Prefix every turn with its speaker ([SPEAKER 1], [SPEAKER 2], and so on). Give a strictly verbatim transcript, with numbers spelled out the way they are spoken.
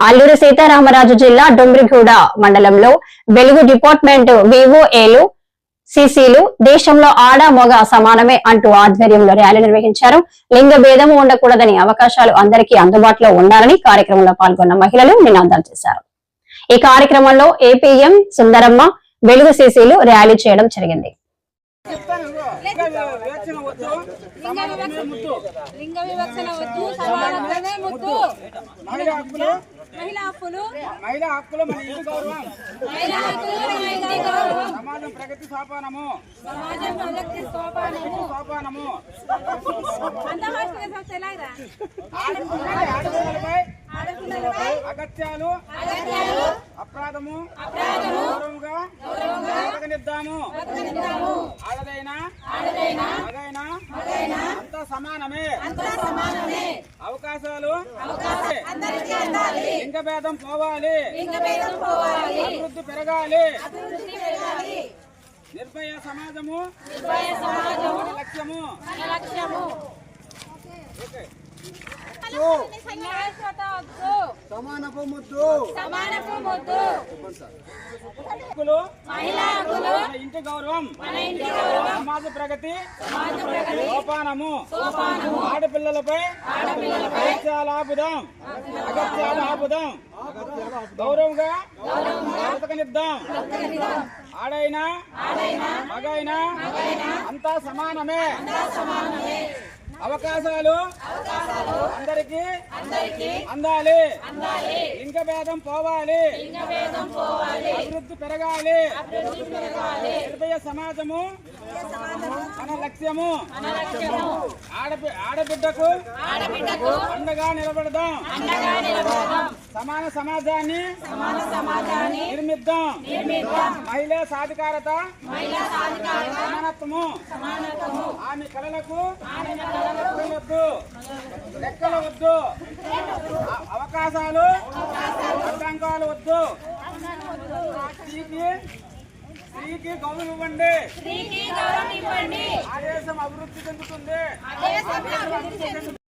[SPEAKER 1] అల్లూరి సీతారామరాజు జిల్లా డొంబ్రిగూడ మండలంలో వెలుగు డిపార్ట్మెంట్ వివోఏలు సిసిలు దేశంలో ఆడ మగ సమానమే అంటూ ఆధ్వర్యంలో ర్యాలీ నిర్వహించారు. లింగ భేదం ఉండకూడదని, అవకాశాలు అందరికీ అందుబాటులో ఉండాలని కార్యక్రమంలో పాల్గొన్న మహిళలు నినాదాలు చేశారు. ఈ కార్యక్రమంలో ఏపీఎం సుందరమ్మ, వెలుగు సిసిలు ర్యాలీ చేయడం జరిగింది.
[SPEAKER 2] లింగ వివక్షణ వద్దు, సమానత్వమే ముద్దు. మహిళా హక్కులు, మహిళా హక్కులు, మహిళా హక్కులు మన ఇంటి గౌరవం. మహిళా హక్కులు మన ఇంటి గౌరవం. సమాజం ప్రగతి సోపానము, సమాజం ప్రగతి సోపానము, సోపానము. అంతర్రాష్ట్రీయ సంస్థ ఎలాగా ఆడపిల్లలపై ఆడపిల్లలపై అగత్యాలు, అగత్యాలు, అపరాధము, అపరాధము గౌరవంగా గౌరవంగా బతకనిద్దాము. ఆడదైనా ఆడదైనా మగైనా మగైనా అంతా సమానమే, అంతా సమానమే. అవకాశాలు అవకాశాలు అందరికీ అందాలి. లింగ భేదం పోవాలి, లింగ భేదం పోవాలి. అభివృద్ధి పెరగాలి, అభివృద్ధి పెరగాలి. నిర్భయ సమాజము, నిర్భయ సమాజము మన లక్ష్యము, మన లక్ష్యము. ఓకే. సమానపు ముద్దు, సమానపు ముద్దు. మహిళా హక్కులు మన ఇంటి గౌరవం, మన ఇంటి గౌరవం. సమాజ ప్రగతి, సమాజ ప్రగతి సోపానము, సోపానము. ఆడపిల్లలపై ఆడపిల్లలపై అగత్యాలు ఆపుదాం, అగత్యాలు ఆపుదాం. గౌరవంగా గౌరవంగా బతకనిద్దాం. ఆడైనా ఆడైనా మగైనా మగైనా అంతా సమానమే, అంతా సమానమే. అవకాశాలు అందరికీ అందాలి, లింగ భేదం పోవాలి, అభివృద్ధి పెరగాలి. నిర్భయ సమాజము మన లక్ష్యము. ఆడబిడ్డకు అండగా నిలబడదాం. సమాన సమాజాన్ని నిర్మిద్దాం. మహిళా సాధికారత, సమానత్వము. ఆమె కళలకు వద్దు, లెక్కలు వద్దు, అవకాశాలు అడ్డంకాలు వద్దు. స్త్రీకి స్త్రీకి గౌరవం ఇవ్వండి, ఆ దేశం అభివృద్ధి చెందుతుంది.